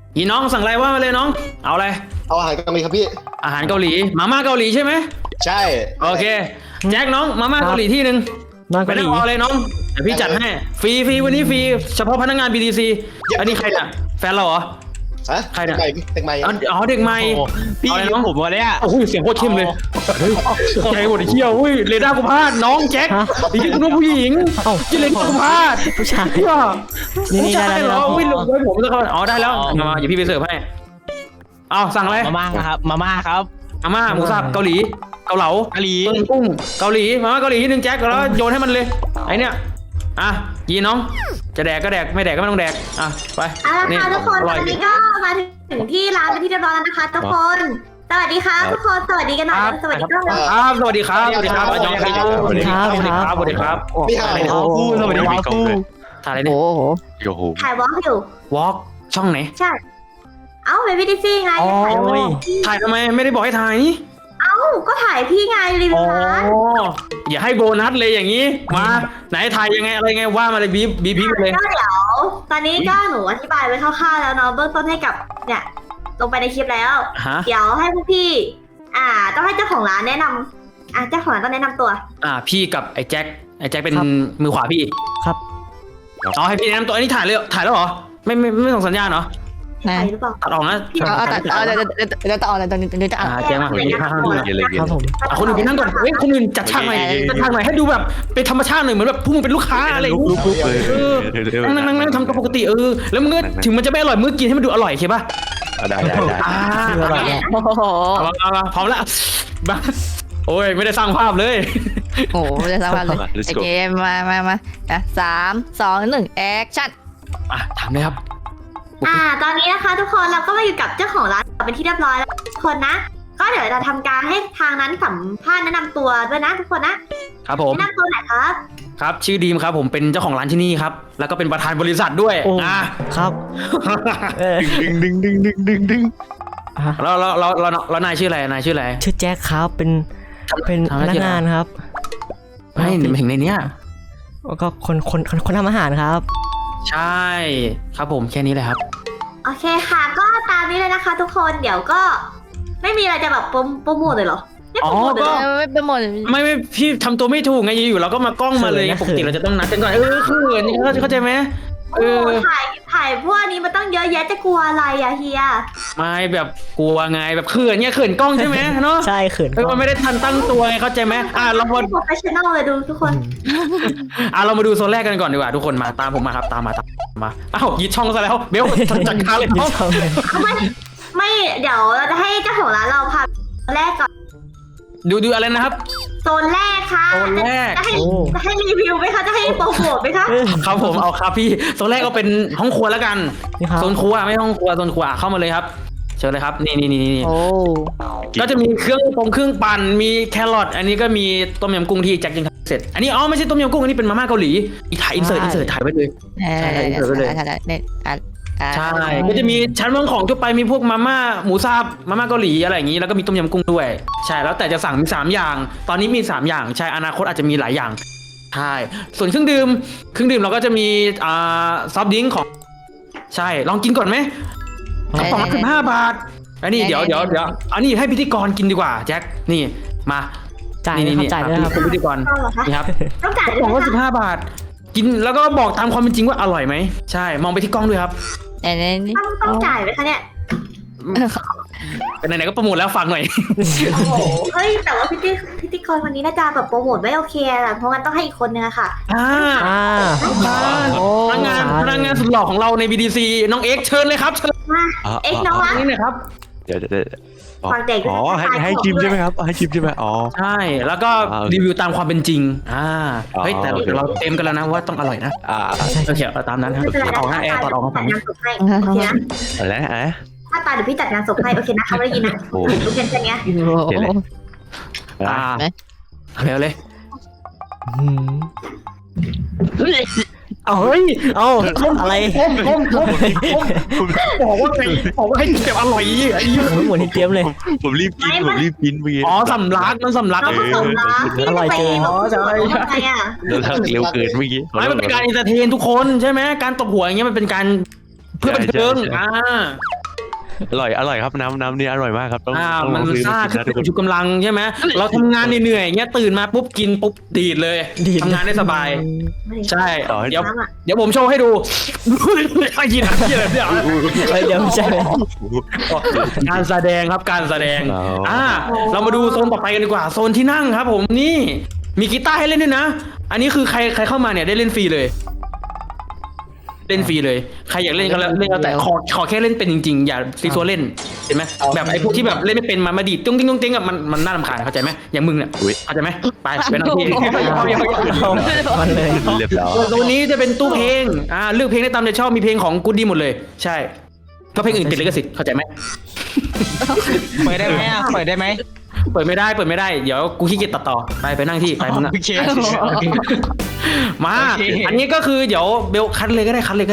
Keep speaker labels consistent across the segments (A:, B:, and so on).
A: อีน้องสั่งอะไรว่ามาเลยน้องเอาอะไร
B: เอาอาหารเกาหลีครับพี่
A: อาหารเกาหลีมาม่าเกาหลีใช่ไหม
B: ใช่
A: โอเคแจ็คน้องมาม่าเกาหลีที่หนึ่งไปนั่งรอเลยน้องเดี๋ยวพี่จัดให้ฟรีวันนี้ฟรีเฉพาะพนักงาน BTC อันนี้ใครน่ะแฟนเราเหรอ
B: ฮะ
A: ใครน่ะ
B: เด็กใหม่
A: อ๋อเด็กใหม่
C: พี่อะไรน้องผมวะเนี่ย
A: โอ้โหเสียงโคตรเข้มเลยใจหมดเที่ยวอุ้ยเรดาร์กูพลาดน้องแจ็คนี่คุณผู้หญิงที่เรดาร์กูพลาด
D: ผู้ชาย
A: นี่ได้แล้วเหรออุ้ยลงด้วยผมแล้วก็อ๋อได้แล้วมาอย่าพี่ไปเสิร์ฟให้เอาสั่งอะไร
C: มาม่าครับมาม่าครับ
A: มาม่าหมูสับเกาหลีเกาเหลา
C: เกาหลี
A: กุ้งเกาหลีมาม่าเกาหลีที่หนึ่งแจ็คแล้วโยนให้มันเลยไอเนี้ยอ่ะยีน้องจะแดกก็แดกไม่แดกก็ไม่ต้องแดกอ่ะไป
E: เอาละค่ะทุกคนตอนนี้ก็มาถึงที่ร้านเป็นที่เรียบร้อยแล้วนะคะทุกคนสวัสดีครับทุกคนสวัสดีกันหน่อยสวัสดีครับ
A: สวัสดีครับสวัสดีครับสวัสดีครับสวัสดีครับสวัสดีครับสวัสดีครับ
B: พี่หาอะไร
C: สวัสดีครับ
A: ถ่ายอะไรเนี่ย
E: ถ่ายวอล์กอยู่
A: วอล์กช่องไหน
E: ใช่เอ้าเป็นพี่ดิซี่ไง
A: ถ่ายทำไมไม่ได้บอกให้ถ่ายนี่
E: เอ้าก็ถ่ายพี่ไงรีวิวร้าน
A: อย่าให้โบนัสเลยอย่างนี้มาไหนถ่ายยังไงอะไรไงว่ามาเลยบีพีเลย
E: ก็เดี๋ยวตอนนี้ก็หนูอธิบายไว้คร่าวๆแล้วเนาะเบื้องต้นให้กับเนี่ยลงไปในคลิปแล้วเดี๋ยวให้พวกพี่ต้องให้เจ้าของร้านแนะนำเจ้าของร้านต้องแนะนำตัว
A: พี่กับไอ้แจ็คเป็นมือขวาพี่
D: ครับ
A: อ๋อให้พี่แนะนำตัวอันนี้ถ่ายแล้วเหรอไม่ส่งสัญญาณเหรอ
E: ถ่ายหรือเปล่า
A: ตัดออกนะ
D: เดี๋ยวต่อเลยตอนนี้เดี๋ยวจะ
A: แจ้งมา
D: ครับผม
A: คนอื่นไปนั่งก่อนคนอื่นจัดฉากใหม่ให้ดูแบบเป็นธรรมชาติหน่อยเหมือนแบบพวกมึงเป็นลูกค้าอะไรนั่งทำตัวปกติแล้วมึงถึงมันจะไม่อร่อยมึงกินให้มันดูอร่อยใช่ป่ะ
C: ได้
A: พร้อมแล้วโอ้ยไม่ได้สร้างภาพเลย
D: โอ้ไม่ได้สร้างภาพเลยโอเคมา3 2 1แอคชั่น
A: ถามเลยครับ
E: ตอนนี้นะคะทุกคนเราก็มาอยู่กับเจ้าของร้านเป็นที่เรียบร้อยแล้วทุกคนนะก็เดี๋ยวจะทำการให้ทางนั้นสัมภาษณ์แนะนำตัวด้วยนะทุกคนนะครับ
A: ผม
E: แนะนำตัวหน่อยครับ
A: ครับชื่อดีมครับผมเป็นเจ้าของร้านที่นี่ครับแล้วก็เป็นประธานบริษัทด้วย
D: ครับ
C: ดึง
A: แล้วนายชื่ออะไรชื่อ
D: แจ็คครับเป็นพนักงานครับ
A: ไม่ถึงในเนี้ย
D: ก็คนทำอาหารครับ
A: ใช่ครับผมแค่นี้เลยครับ
E: โอเคค่ะก็ตามนี้เลยนะคะทุกคนเดี๋ยวก็ไม่มีอะไรจะแบบโปรโมทเลยเหรอ
A: ก็
D: ไม่โปรโมท
A: ไม่พี่ทำตัวไม่ถูกไงอยู่เราก็มากล้องมาเลยปกติเราจะต้องนัดกันก่อนเขินเข้าใจไหม
E: ถ่ายพวกนี้มันต้องเยอะแยะจะกลัวอะไรอะเฮีย
A: ไม่แบบกลัวไงแบบเขินเนี่ยเขินกล้องใช่ไหมเนาะ
D: ใช่เขิน
A: มันไม่ได้ทันตั้งตัวไงเข้าใจไหมเรามา
E: โปรเฟชชั่นอลเลยดูทุกคน
A: เรามาดูโซนแรกกันก่อนดีกว่าทุกคนมาตามผมมาครับตามมายึดช่องซะแล้วเบลจัดการเลย
E: ไม่เดี๋ยวเราจะให้เจ้าของร้านเราพาแรกก่อน
A: ดูอะไรนะครับ
E: โซนแรกค่ะ
A: โซนแรก
E: จะให้รีวิวไหมคะจะให้โปรโมทไหมคะ
A: ครับผมเอาครับพี่โซนแรกก็เป็นห้องครัวแล้วกันโซนครัวไม่ห้องครัวโซนครัวเข้ามาเลยครับเชิญเลยครับนี่ก็จะมีเครื่องปั่นมีแครอทอันนี้ก็มีต้มยำกุ้งที่แจ็คจิงเสร็จอันนี้ไม่ใช่ต้มยำกุ้งอันนี้เป็นมาม่าเกาหลีอีกถ่ายอินเสิร์ตถ่ายไว้เลยใช่ก็จะมีชั้นวางของทั่วไปมีพวกมาม่าหมูสับมาม่าเกาหลีอะไรอย่างนี้แล้วก็มีต้มยำกุ้งด้วยใช่แล้วแต่จะสั่งมี3อย่างตอนนี้มี3อย่างใช่อนาคตอาจจะมีหลายอย่างใช่ส่วนเครื่องดื่มเราก็จะมีซอฟต์ดริงก์ของใช่ลองกินก่อนไหม2 ละ 15 บาทอันนี้เดี๋ยวอันนี้ให้พิธีกรกินดีกว่าแจ็คนี่มา
D: จ่ายด้วยครับ
A: เป็นพิธีกรนี่ครับ
E: ต้องจ่าย
A: ของก็15 บาทกินแล้วก็บอกตามความเป็นจริงว่าอร่อยไหมใช่มองไปที่กล้องด้วยครับ
E: ต้องจ่ายไหมคะเนี่ย
A: ไหนๆก็โปรโมทแล้วฟังหน่อย
E: เฮ้ยแต่ว่าพิธีกรวันนี้น่าจะแบบโปรโมทไม่โอเคอะเพราะงั้นต้องให้อีกคนนึงอะค่ะ
A: พนักงานสุดหล่อของเราใน BDC น้องเอ็กเชิญเลยครับเชิญ
E: เอ็กน้อง
A: นี่เลยครับ
C: เดี๋ยว
E: ฟังเด็ก
C: ให้ชิมใช่ไหมครับให้ชิมใช่ไหม
A: ใช่แล้วก็รีวิวตามความเป็นจริงเฮ้ยแต่เราเต็มกันแล้วนะว่าต้องอร่อยนะโอเคตามนั้นครับออกหน้าแอร์ตัดออกมาฝั่งนี้
E: โอเคนะ
C: อะไร
E: ถ้าตาเดี๋ยวพี่จัดงานศพให้โอเคนะเขาไม่ได้ยินนะโอเคแค่นี้
A: เร็วเลย
D: เฮ้ยเอาอะไร
A: บอกว่าให้เก็บอร่อย
D: เหมือนที่เตรียมเลย
C: ผมรีบกินเมื่อกี้
A: สำลัก
D: อร่อยเกิน
A: ใช่
C: เร็วเกินเมื่อกี้
A: มันเป็นการอินเตอร์เทนทุกคนใช่ไหมการตบหัวอย่างเงี้ยมันเป็นการเพื่อบันเทิง
C: อร่อยครับน้ำนี่อร่อยมากครับต้อง
A: มัน
C: ซื้อ
A: ซ่า
C: มากิน
A: ขึ้น
C: นะทุกคน
A: ชูกำลังใช่ไหมเราทำงานเหนื่อยๆอย่างเงี้ยตื่นมาปุ๊บกินปุ๊บดีดเลยทำงานได้สบาย ใช่ เดี๋ยวผมโชว์ให้ดูไอ้ยินอะไรเดี๋ยว
F: เดี๋ยวไม่ใช่
A: การแสดงครับการแสดงเรามาดูโซนต่อไปกันดีกว่าโซนที่นั่งครับ ผมนี่มีกีตาร์ให้เล่นด้วยนะอันนี้คือใครเข้ามาเนี่ยได้เล่นฟรีเลยเล่นฟรีเลยใครอยากเล่นก็เล่นแต่ขอแค่เล่นเป็นจริงๆอย่าซีซัวเล่นเห็นไหมแบบไอ้พวกที่แบบเล่นไม่เป็นมาดีดตุ้งติ้งตุ้งติ้งอ่ะมันน่ารำคาญเข้าใจไหมอย่างมึงเนี่ยเข้าใจไหมไปนั่งที่
F: มันเลย
C: เรียบร้อย
A: ตัวนี้จะเป็นตู้เพลงเลือกเพลงได้ตามใจชอบมีเพลงของกูดดี้หมดเลยใช่ก็เพลงอื่นติดลิขสิทธิ์เข้าใจไหม
G: เปิดได้ไหมอ่ะเปิดได้ไหม
A: เปิดไม่ได้เดี๋ยวกูขี้เกียจตัดต่อไปนั่งที่ไปมึงอะ
G: โอเค
A: มา
G: โอเค
A: อันนี้ก็คือเดี๋ยวเบลคัดเลยก็ได้
E: คัดหรอ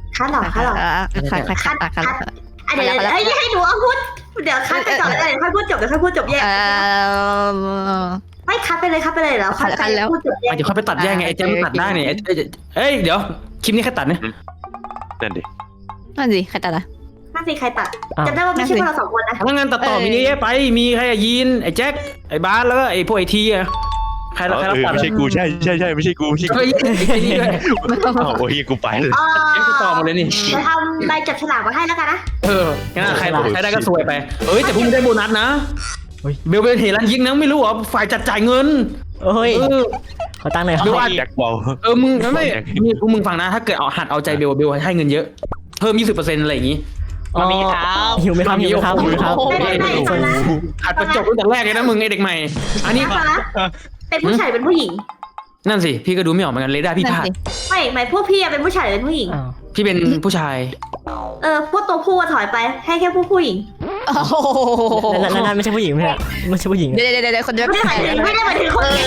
E: เดี๋ยวให้หนูเอาพูดเดี๋ยวคัดไปก่อนเลยค่อยพูดจบเดี๋ยวค่อยพูดจบแยกไม่คัดไปเลยแล้วคัดไปแล้วพูดจบแยก
A: เดี๋ยวค่อยไปตัดแยกไงไอ้แจมตัดได้เนี่ยเอ้ยเดี๋ยวคลิปนี้ใครตัดเนี่ย
C: นั่นดิ
D: นั่นสิใครตัดอ่ะ
E: น่าสิใครตัดจำได้ว่าไม่ใช่พวกเราสองคนนะ
A: พนักงานตัดต่อมีนี่ไปมีใครยีนไอ้แจ็คไอ้บาสแล้วก็ไอ้พวกไอ้ทีอะใครรับตัด
C: ไม่ใช่กูใช่ไม่ใช่กู
A: เฮ้ยไอ้นี่ด้วย
C: โอ้ยกูไปเลย
A: แจ็คตัดต่อหมดเลยนี่
E: จะทำใบจับฉลากมาให้แล้วกันนะ
A: งั้นใครได้ก็สวยไปแต่พรุ่งนี้ได้โบนัสนะเบลเป็นเฮลันยิงนะไม่รู้เหรอฝ่ายจัดจ่ายเงิน
F: โอ้ยขอตั้งหน่อยครับ
C: แจ็คบอล
A: มึงไม่มึงฟังนะถ้าเกิดเอาหัดเอาใจเบลให้เงินเยอะเพิ่ม 20%อะไรอย่างงี้
G: มามีครับ
F: หิวไหมครับหิวไหมครับหิวไหมครับ
E: ไม่ฟังนะ
A: หัดประจบตั้งแต่แรกเลยนะมึงไอเด็กใหม่อันนี้
E: ฟังนะเป็นผู้ชายเป็นผู้หญิง
A: นั่นสิพี่ก็ดูไม่ออกเหมือนกันเลยได้พี่พลาด
E: ไม่หมายพวกพี่เป็นผู้ชายหรือเป็นผู้หญิง
F: อ้าว
A: พี่เป็นผู้ชาย
E: พวกตัวผู้ถอยไปให้แค่ผู้หญิง
D: โอ้โห
F: นั่นไม่ใช่ผู้หญิงไม่ใช่ไม่ใช่ผู้หญิง
D: เดี๋ยวคนเดียว
E: ไม่ได้หมายถึงคนนี้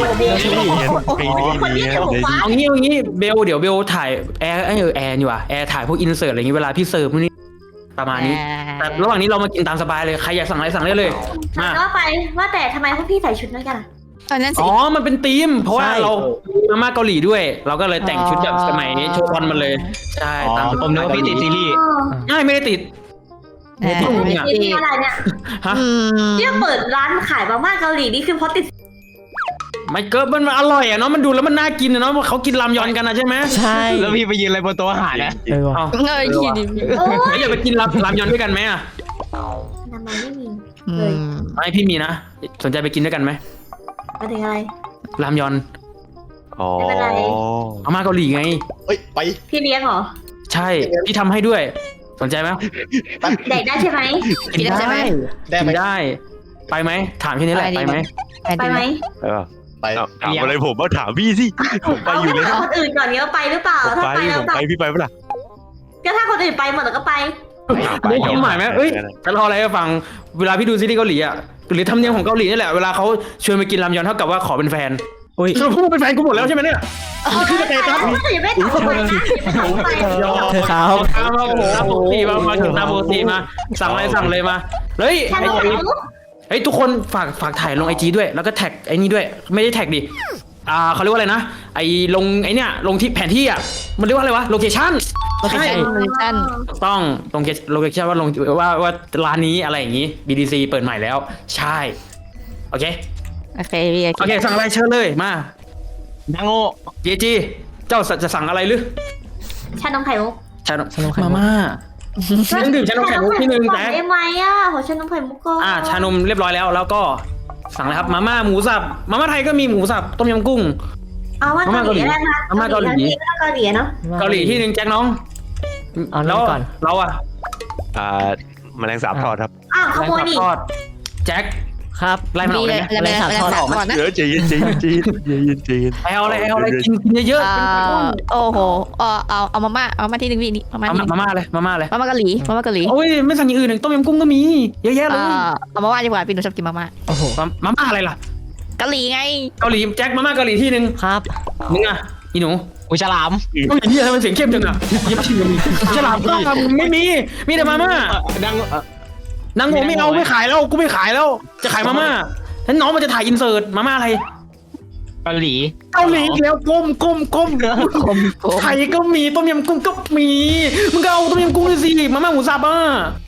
E: คนนี้จะหูฟ้า
A: เอางี้เบลเดี๋ยวเบลถ่ายแอร์อยู่ว่ะแอร์ถ่ายพวกอินเสิร์ตอะไรอย่างงี้เวลาพี่เสิร์ฟนี่ประมาณนี้แต่ระหว่างนี้เรามากินตามสบายเลยใครอยากสั่งอะไรสั่งได้เลยมา
E: ว่าไปว่าแต่ทำไมพวกพี่ใส่ชุดนั้นกัน
D: นั่นสิ
A: อ๋อมันเป็นธีมเพราะว่าเรามาม่าเกาหลีด้วย เราก็เลยแต่งชุดแบบสมัยโชว์บอลมาเลยใช่ตาม
G: ผมนึกว่าพี่ติดซีรีส์
A: ไม่ได้ติด
E: นี่อะไรเนี่ย
A: ฮะ
E: เนี่ยเปิดร้านขายมาม่าเกาหลีนี่คือเพราะติด
A: ไม่เกิดมันอร่อยอ่ะเนาะมันดูแล้วมันน่ากินอ่ะเนาะเขากินรามยอนกันนะใช่ไหม
F: ใช่
G: แล้วพี่ไปยืนอะไรบนโต๊ะอาหารนะ
F: ว่ะ
A: เอา
D: เงยขี้ดิ
E: โอ้
A: แล้วอยากไปกินรามยอนด้วยกันไหมอ่ะ
E: ทำไมไม่มี
A: ไม่พี่มีนะสนใจไปกินด้วยกันไหม
E: มาถึงอะไร
A: รามยอน
C: อ๋อ
A: มาม่าเกาหลีไง
B: เฮ้ยไป
E: พี่เลี้ยงเหรอ
A: ใช่พี่ทำให้ด้วย สนใจไหม
E: เด็กได้ใช่ไหม
D: กินได้ใช่ไหม
B: ได้ไหม
A: กินได้ ไปไหมถามแค่นี้แหละไปไหม
E: ไปไหม
B: ไป
C: ถามอะไรผมมาถามพี่สิผมไปอยู่เลย
E: ถามคนอื่นก่อนเนี้ยไปหรือเปล่าถ้าไปแล้ว
C: ไปพี่ไปเปล่า
E: ก็ถ้าคนอื่นไปหมดแล้วก็ไป
A: ได้ความหมายไหมเอ้ยจะรออะไรให้ฟังเวลาพี่ดูซีรีส์เกาหลีอ่ะหรือทำเนียมของเกาหลีนี่แหละเวลาเขาชวนไปกินรามยอนเท่ากับว่าขอเป็นแฟน
F: อุ้ย
A: สรุปพวกมึงเป็นแฟนกูหมดแล้วใช่ไหมเนี่ยคือสเตตัส
E: อย่าไม่ตอบไปนะ
F: เธอครับ
A: มาโอ้โหตามปกติมาถึงตามปกติมาสั่งอะไรสั่งเลยมาเฮ้ย
E: ฉันรู้
A: เฮ้ยทุกคนฝากถ่ายลงไอจีด้วยแล้วก็แท็กไอ้นี่ด้วยไม่ได้แท็กดิเขาเรียกว่าอะไรนะไอลงไอเนี่ยลงที่แผนที่อ่ะมันเรียกว่าอะไรวะโลเคชั่น
D: โลเคชั่น
A: ต้องลงโลเคชั่นว่าลงว่าร้านนี้อะไรอย่างงี้ BDC เปิดใหม่แล้วใช่โอเค
D: โอเคพี่
A: โอเคสั่งอะไรเชิญเลยมา
G: ดังโง่
A: จีเจ้าจะสั่งอะไรหรือ
E: ชานมไข่มุก
A: ชานมมาม่าต้องดื่มชานมไข่มุกที่หนึ่งแจ๊ค
E: ได้ไหมอ่ะขอชานมไข่มุกก่อน
A: ชานมเรียบร้อยแล้วก็สั่งเลยครับมาม่าหมูสับมาม่าไทยก็มีหมูสับต้มยำกุ้ง
E: เอาว่าเกาหลีได้ไหม
A: มาม่าเกาหลี
E: เกาหลีเนาะ
A: เกาหลีที่หนึ่งแจ็คน้อง
F: เอา
A: แล้
F: แล้ว
A: ว
F: ก่อน
A: เราอะ
C: แมลงสาบทอดครับ
E: อ้าวขโมยนี่
A: ทอดแจ็ค
F: ครับ
A: ไล่มันออกเลยไหม
D: อะไรก่อนนะ
C: เดี๋ยวใจเย็น
A: เอาอะไรกินเยอะ
D: โอ้โหเอามาม่าที่หนึ่งพี่นี่มาม่า
A: มาม่าเลย
D: มาม่าเกาหลี
A: โอ้ยไม่สั่งอย่างอื่นต้มยำกุ้งก็มีเยอะแยะเลย
D: เอามาม่าดีกว่าพี่หนูชอบกินมาม่า
F: โอ้โห
A: มาม่าอะไรล่ะ
D: เกาหลีไง
A: เกาหลีแจ็คมาม่าเกาหลีที่หนึ่ง
F: ครับ
A: มึงอะอีหนู
G: อุยฉลาม
A: เกาหลีที่ทำไมเสียงเข้มจังอะยังไม่ชิมเลยฉลามไม่มีแต่มาม่า
G: ดัง
A: นางโง่ไม่เอาไม่ขายแล้วกูไม่ขายแล้วจะขายมาม่าฉันน้องมันจะถ่ายอินเสิร์ตมาม่าอะไร
G: เกาหลี
A: เกาหลีแล้วก้มไทยก็มีต้มยำกุ้งก็มีมึงก็เอาต้มยำกุ้งเลยสิมาม่าหมูสับอ่ะ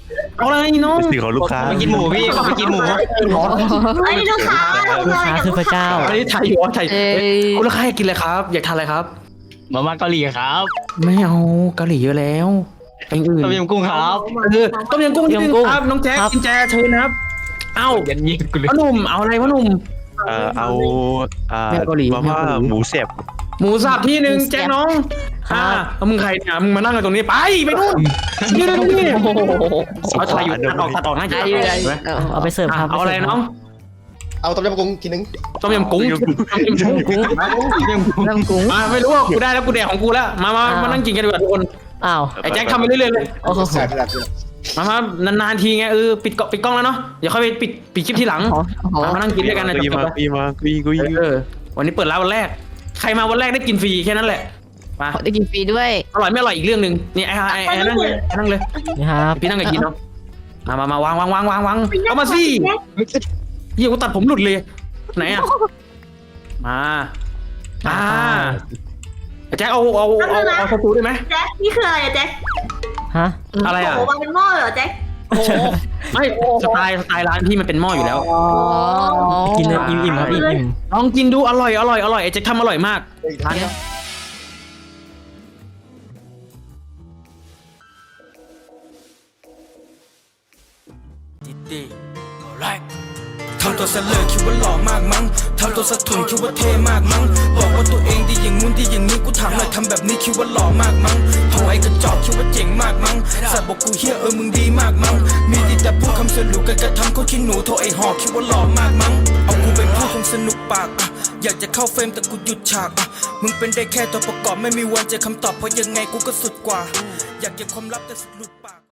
A: เอาอะไรน้อง
C: เป็นสิ่งของลูกค้า
G: ไปกินหมูพี่ขอไปกินหมู
E: เฮ้ยลูกค้า
F: ลูกค้าคือพระเจ้า
A: อันนี้ไทยอยู่วะไทยคุณลูกค้าอยากกินอะไรครับ อยากทานอะไรครับ
G: มาม่าเกาหลีครับ
A: ไม่เอาเกาหลีเยอะแล้วอย่างอื่น
G: ต้มยำกุ้งครับ
A: ต้มยำกุ้งนิดนึงครับน้องแจ๊คกินแจเชิญนะครับ เอ้า
G: ยันยิงกูเลย
A: พ่อหนุ่มเอาอะไรพ่อหนุ่ม
C: เอามาม่าหมูเสียบ
A: หมูสับที่หนึ่งแจ๊คน้องแล้วมึงใครเนี่ยมึงมานั่งกันตรงนี้ไปนู่นนี่เอาถ่ายอยู่ตัดออกน่าจะ
F: เอาไปเสิร์ฟครับ
A: เอาอะไรน้อง
B: เอาต้มยำกุ้งทีนึง
A: ต้มยำกุ้งไม่รู้ว่ากูได้แล้วกูแดกของกูแล้วมานั่งกินกันดีกว่าทุกคน
F: อ้าว
A: ไอ้แจ็คทำไปเรื่อยๆเลย
F: โอ้โห
B: แซ่บแซ่บ
A: นานๆทีไงปิดกล้องแล้วเนาะเดี๋ยวค่อยไปปิดคลิปทีหลังมานั่งกินด้วยกันนะ
C: กุย
A: จบ
C: มากุยมากุย
A: วันนี้เปิดร้านวันแรกใครมาวันแรกได้กินฟรีแค่นั้นแหละมา
D: ได้กินฟรีด้วย
A: อร่อยไม่อร่อยอีกเรื่องหนึ่งนี่ไอ้นั่งเลย
F: นี่ครับ
A: พี่นั่งกับกินเนาะมาวางเอามาสิเฮียกูตัดผมหลุดเลยไหนอ่ะมาแจ็คเอาสตูได้ไหม
E: แจ็คนี่คืออะไรอะแจ็ค
F: ฮะ
A: อะไรอ่ะ
E: โอ้วางเป็นหม้อเหรอแจ็ค
A: ไม่สไตล์ร้านพี่มันเป็นหม้ออยู่แล้ว
F: กินเลยอิ่มๆครับอิ่ม
A: ลองกินดูอร่อยไอ้แจ็คทำอร่อยมากร้านนี้
H: ทำตัวเสลอคิดว่าหล่อมากมั้งทำตัวสะทุนคิดว่าเท่มากมั้งบอกว่าตัวเองดีอย่างงู้นดีอย่างนี้กูถามหน่อยทำแบบนี้คิดว่าหล่อมากมั้งโหไอ้กระจอกคิดว่าเจ๋งมากมั้งสัตว์บอกกูเฮียมึงดีมากมั้งมีดีแต่พูดคำสรุปกันกระทำเขาขี้หนูโทรไอ้หอกคิดว่าหล่อมากมั้งเอากูเป็นผู้คงสนุกปากอยากจะเข้าเฟรมแต่กูหยุดฉากมึงเป็นได้แค่ตัวประกอบไม่มีวันเจอคำตอบเพราะยังไงกูก็สุดกว่าอยากเก็บความลับแต่สุดหลุดปาก